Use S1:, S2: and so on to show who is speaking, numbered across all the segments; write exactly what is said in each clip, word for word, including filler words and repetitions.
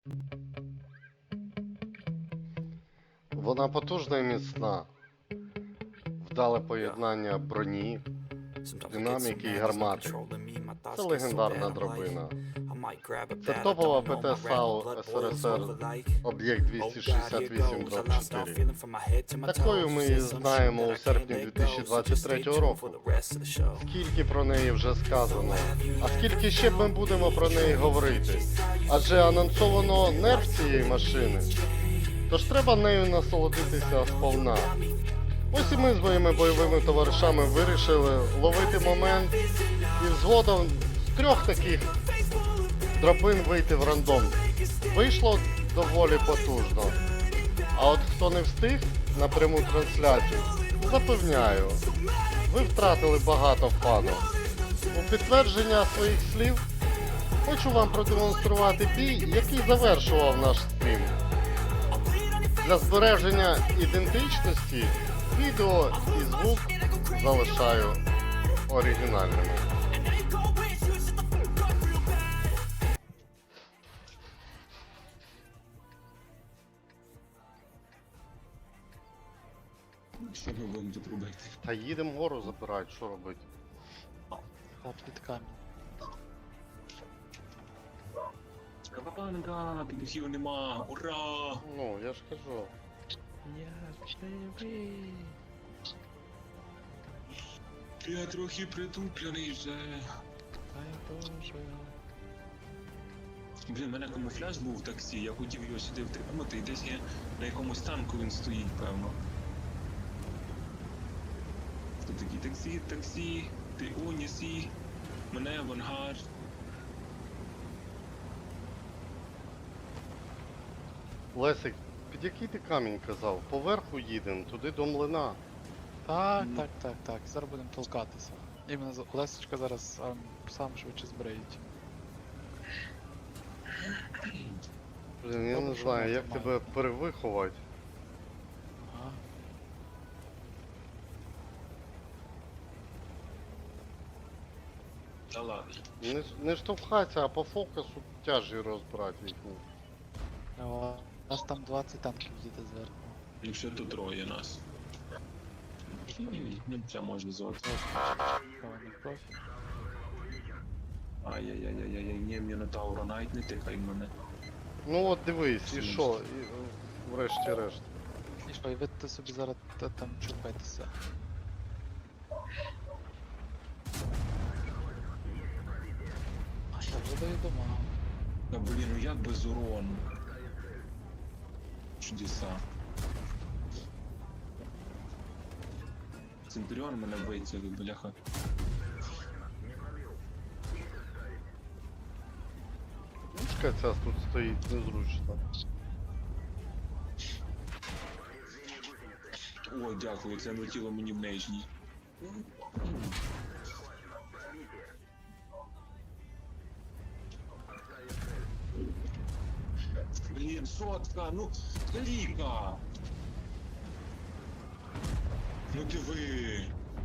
S1: Вона потужна і міцна. Вдале поєднання броні, динаміки і гармати. Це легендарна драбина. Це топова ПТ САУ СРСР об'єкт двісті шістдесят вісім чотири. Такою ми її знаємо у серпні дві тисячі двадцять третього року. Скільки про неї вже сказано, а скільки ще ми будемо про неї говорити? Адже анонсовано нерв цієї машини. Тож треба нею насолодитися сповна. Ось і ми з моїми бойовими товаришами вирішили ловити момент і згодом з трьох таких драбин вийти в рандом. Вийшло доволі потужно. А от хто не встиг на пряму трансляцію, запевняю, ви втратили багато фану. У підтвердження своїх слів хочу вам продемонструвати бій, який завершував наш стрім. Для збереження ідентичності відео і звук залишаю оригінальними.
S2: Що ми будемо тут робити?
S1: Та їдемо гору забирати, що робити?
S3: Та під камінь.
S2: Кавабанга, підухів нема, ура!
S1: Ну, я ж кажу.
S3: Я живий.
S2: Я трохи притуплений вже.
S3: Та я теж.
S2: Блін, в мене камуфляж був в таксі, я хотів його сюди втримати, і десь є на якомусь танку він стоїть, певно. Хто такий? Таксі, таксі, ти унісі, мене авангард.
S1: Лесик, під який ти камінь казав? Поверху їдемо, туди до млина.
S3: Так,
S2: Ну.
S3: так, так, так. Зараз будемо толкатися. Іменно за- Лесечка зараз ам, сам швидше збриють.
S1: Блін, я не
S3: Добре, що
S1: знаю,
S3: ми
S1: як
S3: тримаємо.
S1: тебе перевиховати.
S3: Ага.
S2: Та ладно.
S1: Не, не штовхайся, а по фокусу тяжі розбирати їхні.
S3: О, у нас там двадцять танків їде зверху.
S2: Якщо тут троє нас. Ну, це може золото.
S3: Певний профі.
S2: Ай-яй-яй-яй-яй, ні, Мінотаура, навіть не тикай мене.
S1: Ну от дивись, і що? І, е, врешті-решт.
S3: І що, і ви ти собі зараз та- там чупайтеся. А я вже даю дома.
S2: Та блін, ну як без урону? Чудеса. Центуріон мене вицілив, бляха.
S1: Чекай, ця тут стоїть незручно.
S2: Ой, дякую, це влетіло мені в нижній. Блін, сотка, ну, кліка! Ну диви!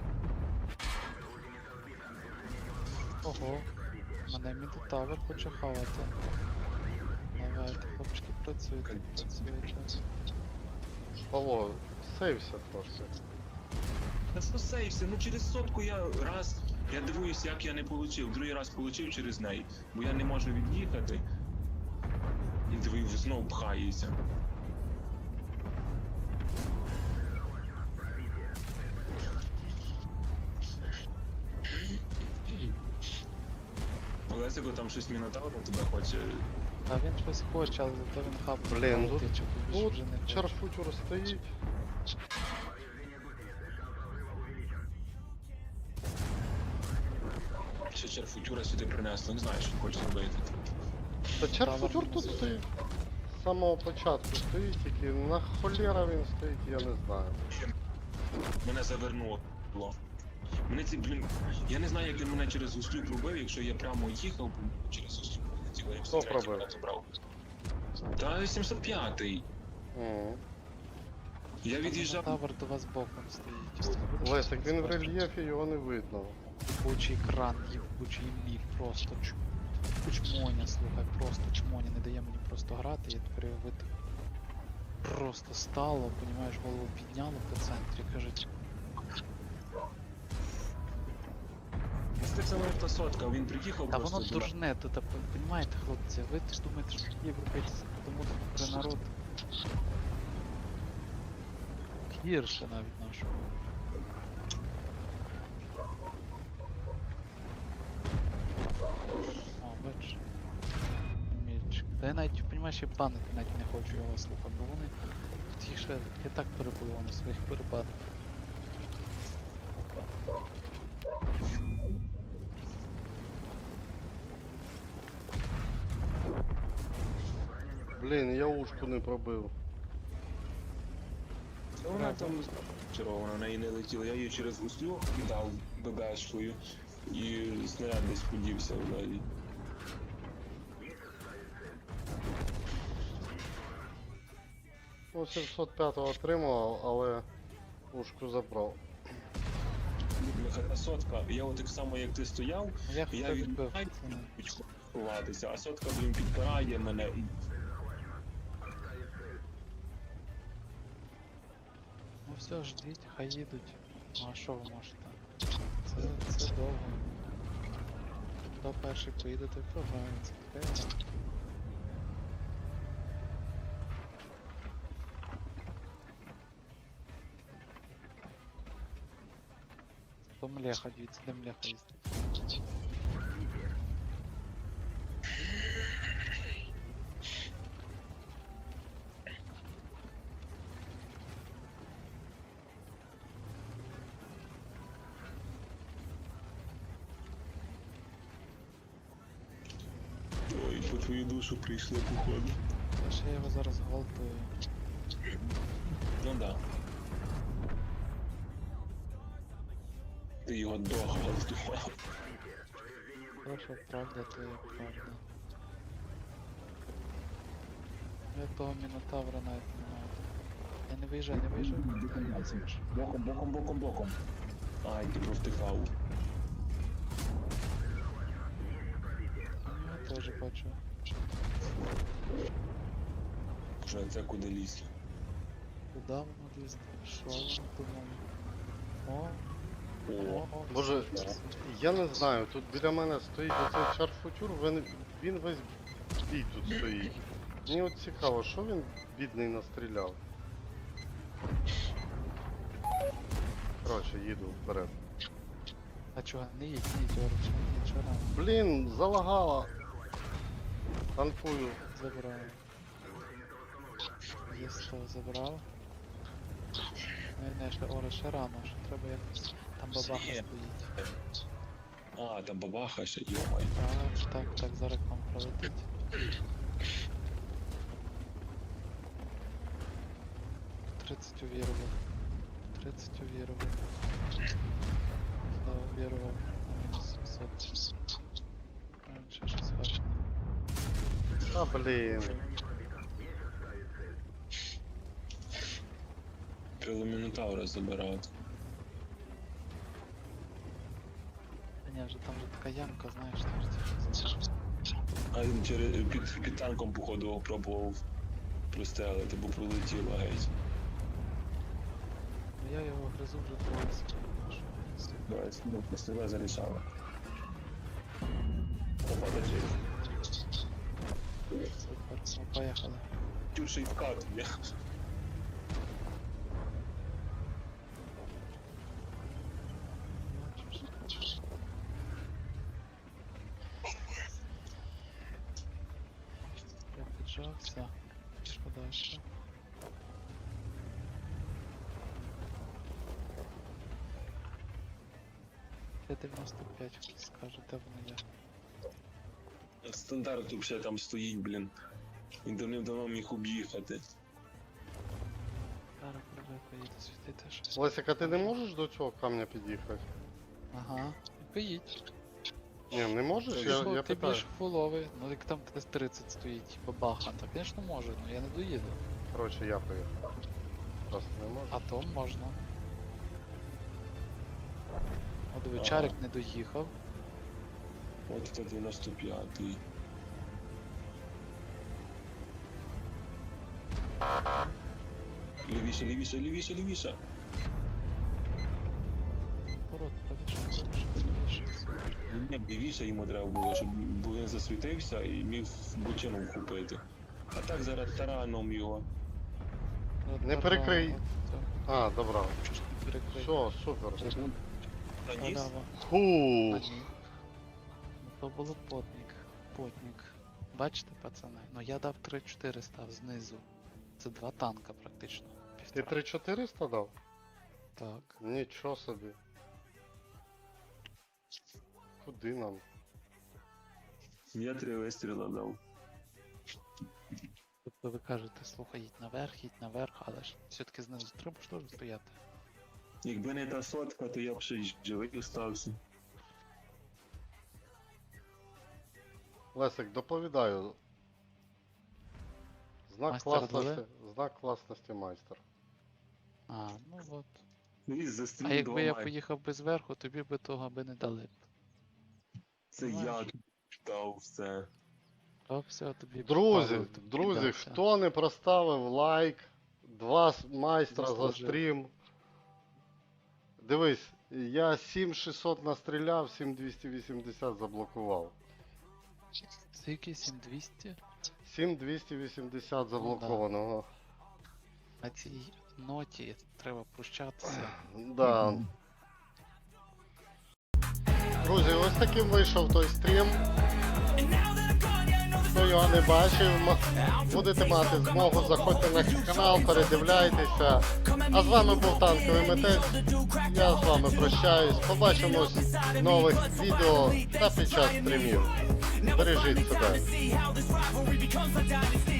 S3: Ого, мене Мідтавер хоче хавати. Давайте, хлопчики, працюйте, працюйте.
S1: Павло, сейвся трошки.
S2: Та що сейвся, ну через сотку я раз, я дивуюсь, як я не получив, другий раз получив через неї, бо я не можу від'їхати. І дивив, знов пхається. Олесико, там щось Мінотавр на тебе хоче.
S3: А він щось хоче, але зато він хап.
S1: Блін, тут,
S3: тичок, більше
S1: тут
S3: вже не хоче.
S1: чарфутюр стоїть.
S2: Ще черфутюра сюди принесли, не знаю, що він хоче зробити.
S1: Та чарфутюр тут стоїть. З самого початку стоїть, тільки на холєра він стоїть, я не знаю.
S2: Мене завернуло. Мене ці, блін, я не знаю, як він мене через гуслю пробив, якщо я прямо їхав через гуслю прилетіло, я
S1: Хто
S2: все третій
S1: пробив?
S2: мене забрав. Та сімсот п'ятий.
S1: Мгм.
S2: Я від'їжджав.
S3: Тавер до вас боком стоїть.
S1: Лесик, він в рельєфі, його не видно.
S3: Єбучий кран, єбучий міг, просто чу. чмоня, слухай, просто чмоня, не дає мені просто грати, я тепер його витих. Просто стало, понімаєш, голову підняло по центрі, кажуть,
S2: Це саме та сотка, він приїхав
S3: та
S2: просто.
S3: воно
S2: до-
S3: дурне, то та понімаєте, хлопці, ви ж думаєте, що європейці тому про народ гірше навіть нашого. О, бачиш. Мільчик. Та я навіть, понімаєш, я банити навіть не хочу його слухати, бо вони тут їх ще я так перебував на своїх перепадах.
S1: Блін, я ушку не пробив.
S2: Та Вона там червона, на неї не летіла. Я її через гуслю кидав ББшкою і снаряд десь подівся взагалі.
S1: Ну, сімсот п'ятого отримав, але ушку забрав.
S2: Бляха, та сотка. Я от так само як ти стояв,
S3: Я
S2: я
S3: хто
S2: від
S3: відбив.
S2: Ай,
S3: Це не-
S2: почав ховатися, а сотка, блін, підпирає мене. і
S3: Ну все, ждіть, хай їдуть. Ну а що ви можете? Це, це довго. Хто перший поїде, той програється. Таке гра. То млеха, дивіться, де млеха їздить.
S2: Ой, по твою душу прийшли, походу.
S3: Та ще я його зараз гвалтую.
S2: Ну да. Ти його догвалтував.
S3: То, що правда, то є правда. Я того мінотавра навіть не маю. Я не виїжджай, не виїжджай.
S2: Боком, боком, боком, боком. Ай, ти провтикав.
S3: Я теж бачу.
S2: Вже це куди лізти.
S3: Куда воно лізти? Що воно думає? О,
S2: О,
S3: о, о.
S1: Боже, я не знаю, тут біля мене стоїть оцей шарфутюр, він, він весь бій тут стоїть. Мені от цікаво, що він бідний настріляв. Коротше, їду вперед.
S3: А чого? Не їдь, не їдь, Орич, не їдь, що рано.
S1: Блін, залагала. Танкую.
S3: Забрав. Є сто забрав. Не, не, ще Орич, ще рано, ще треба якось. Там бабаха
S2: Є.
S3: стоїть.
S2: а, там бабаха ще, йомай.
S3: Так, так, так, зараз к вам пролетить. тридцять увірував. тридцять увірував. Да, увірував. На мінус сімсот. А, ще щось важко.
S1: А, блін.
S2: Треба Мінотавра забирати.
S3: Та ні, вже там же така ямка, знаєш, там же ці щось.
S2: А він через під, під танком, походу, пробував прострелити, бо пролетіло геть.
S3: Ну, я його гризу вже двоє секунд.
S2: Давай, ну, простріла зарішала. Подожди.
S3: Супер, ну поїхали.
S2: Тюрший в карту, я.
S3: Бачиш? Я піджався. Що дальше? Т дев'яносто п'ять, хто скаже, де воно є.
S2: Стандарт взагалі там стоїть, блін. Він давним-давно міг об'їхати.
S3: Зараз пробуй поїде світити щось.
S1: Лесик, а ти не можеш до цього камня під'їхати?
S3: Ага. Поїдь.
S1: Ні, не можеш? Я,
S3: Що,
S1: я
S3: ти
S1: питаю.
S3: більш фуловий, ну як там десь тридцять стоїть, бабаха, так, звісно, може, але я не доїду.
S1: Коротше, я поїхав. Просто не можу.
S3: А то можна. От диви,
S2: Ага.
S3: Чарик не доїхав.
S2: От це дев'яносто п'ятий. Лівіше, лівіше, лівіше, лівіше.
S3: Пород, правіше, правіше, правіше.
S2: Ні, лівіше йому треба було, щоб бо він засвітився і міг бочину вхопити. А так зараз тараном його.
S1: Не перекрий. А, добре.
S3: Чого ж не перекрий?
S1: Все, супер.
S2: Наніс?
S3: Халява.
S1: Фу.
S3: А ні. Ну то було потник. Потник. Бачите, пацани? Ну я дав три чотири став знизу. Це два танка практично.
S1: Ти
S3: Півтора.
S1: три чотириста дав?
S3: Так.
S1: Нічого собі. Куди нам?
S2: Я три вистріла дав.
S3: Тобто ви кажете, слухай, їдь наверх, їдь наверх, але ж все-таки знизу треба ж теж стояти.
S2: Якби не та сотка, то я б ще й живий остався.
S1: Лесик, доповідаю. Знак
S3: Майстер
S1: класності,
S3: дали?
S1: знак класності майстер.
S3: А, ну от.
S2: І
S3: А
S2: застрілив
S3: якби
S2: два
S3: я
S2: майки.
S3: поїхав би зверху, тобі би того би не дали.
S2: Це я
S3: Знаєш.
S2: дав все.
S3: То все тобі
S1: Друзі,
S3: Павло тобі
S1: друзі,
S3: віддався.
S1: хто не проставив лайк, два с- майстра за
S3: Заслужив.
S1: стрім. Дивись, я сім шістсот настріляв, сім двісті вісімдесят заблокував.
S3: Скільки? сім двісті?
S1: сім двісті вісімдесят заблокованого.
S3: На цій ноті треба прощатися.
S1: Да. Друзі, ось таким вийшов той стрім. Хто його не бачив, м- будете мати змогу, заходьте на канал, передивляйтеся. А з вами був Танковий Митець. Я з вами прощаюсь. Побачимось в нових відео та під час стрімів. Бережіть себе.